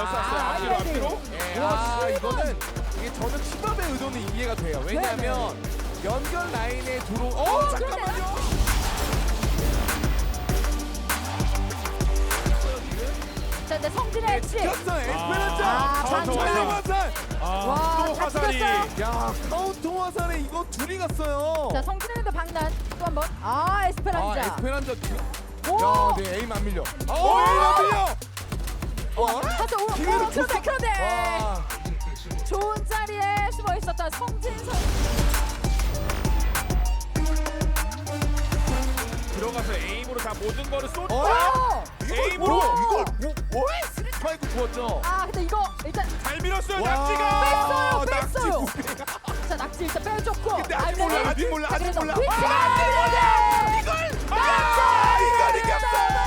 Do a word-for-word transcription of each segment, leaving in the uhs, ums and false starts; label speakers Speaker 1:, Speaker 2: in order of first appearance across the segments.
Speaker 1: 에어쌌어요.
Speaker 2: 아,
Speaker 1: 앞뒤로
Speaker 2: 아이디.
Speaker 1: 앞뒤로.
Speaker 3: 예,
Speaker 2: 와,
Speaker 3: 아
Speaker 2: 칠 번.
Speaker 3: 이거는 이게 저는 팀업의 의도는 이해가 돼요. 왜냐하면 연결 라인에 들어. 어 잠깐만요.
Speaker 2: 자, 근데 성진의 엣지.
Speaker 3: 겼어 에스페란자.
Speaker 2: 아,
Speaker 3: 카운터
Speaker 2: 장난.
Speaker 3: 화살.
Speaker 1: 아,
Speaker 2: 와,
Speaker 1: 또
Speaker 2: 잘
Speaker 1: 화살이.
Speaker 2: 찍었어요.
Speaker 3: 야 카운터 화살에 이거 둘이 갔어요.
Speaker 2: 자, 성진의 근데 방난 또 한 번. 아, 에스페란자.
Speaker 3: 아 에스페란자.
Speaker 2: 오!
Speaker 3: 야, 네 에임 안 밀려. 아,
Speaker 1: 오!
Speaker 3: 에임 안 밀려. 어?
Speaker 2: 가서 오, 오,
Speaker 3: 기회를
Speaker 2: 그런데
Speaker 3: 줬어.
Speaker 2: 그런데
Speaker 3: 와.
Speaker 2: 좋은 자리에 숨어 있었던 성진 선.
Speaker 1: 들어가서 에임으로 다 모든 거를 쏟다.
Speaker 3: 어?
Speaker 2: 오!
Speaker 1: 에임으로.
Speaker 3: 이걸 뭐? 뭐? 스리파이크 구웠죠.
Speaker 2: 아, 근데 이거 일단
Speaker 1: 잘 밀었어요.
Speaker 3: 와.
Speaker 1: 낙지가.
Speaker 2: 뺐어요,
Speaker 3: 낙지
Speaker 2: 뺐어요.
Speaker 3: 구매.
Speaker 2: 자, 낙지 일단 빼줬고.
Speaker 3: 근데 아직
Speaker 2: 알맹이.
Speaker 3: 몰라, 아직 몰라,
Speaker 2: 자,
Speaker 3: 아직
Speaker 2: 그래서
Speaker 3: 몰라.
Speaker 2: 위치가
Speaker 3: 아,
Speaker 2: 이걸
Speaker 3: 아, 이걸 이겼어.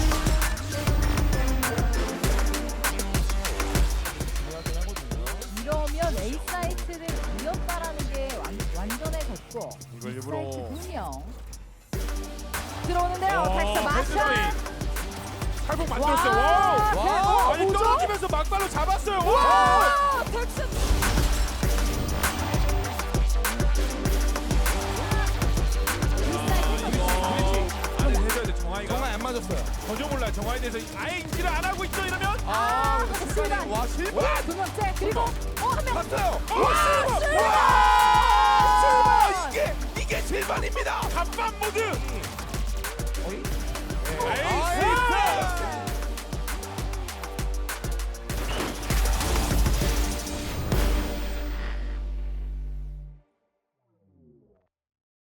Speaker 2: 이러면 A 사이트를 이겼다라는 게 완, 완전해졌고
Speaker 1: 이걸
Speaker 2: B
Speaker 1: 일부러.
Speaker 2: 사이트 분명 들어오는데요.
Speaker 1: 어,
Speaker 2: 텍스 마샤.
Speaker 1: 패스웨이. 탈북 만들었어요.
Speaker 2: 와,
Speaker 1: 와우.
Speaker 2: 대박.
Speaker 1: 아니
Speaker 2: 뭐죠?
Speaker 1: 떨어지면서 막발로 잡았어요. 와.
Speaker 2: 와, 텍스.
Speaker 1: 아니 해줘야 돼. 정아이가.
Speaker 3: 정말 안 맞았어요.
Speaker 1: 전혀 몰라. 정아에 대해서 아예 인지를 안 하고 있어 이러면.
Speaker 3: 아,
Speaker 2: 아,
Speaker 3: 실바니.
Speaker 2: 실바니.
Speaker 3: 와, 실바.
Speaker 2: 와, 두 번째 그리고 어한 명.
Speaker 3: 맞아요.
Speaker 2: 와, 실바.
Speaker 3: 와, 이게 이게 실반입니다.
Speaker 1: 갑반 모드.
Speaker 3: 어이?
Speaker 1: 에이스.
Speaker 3: 아,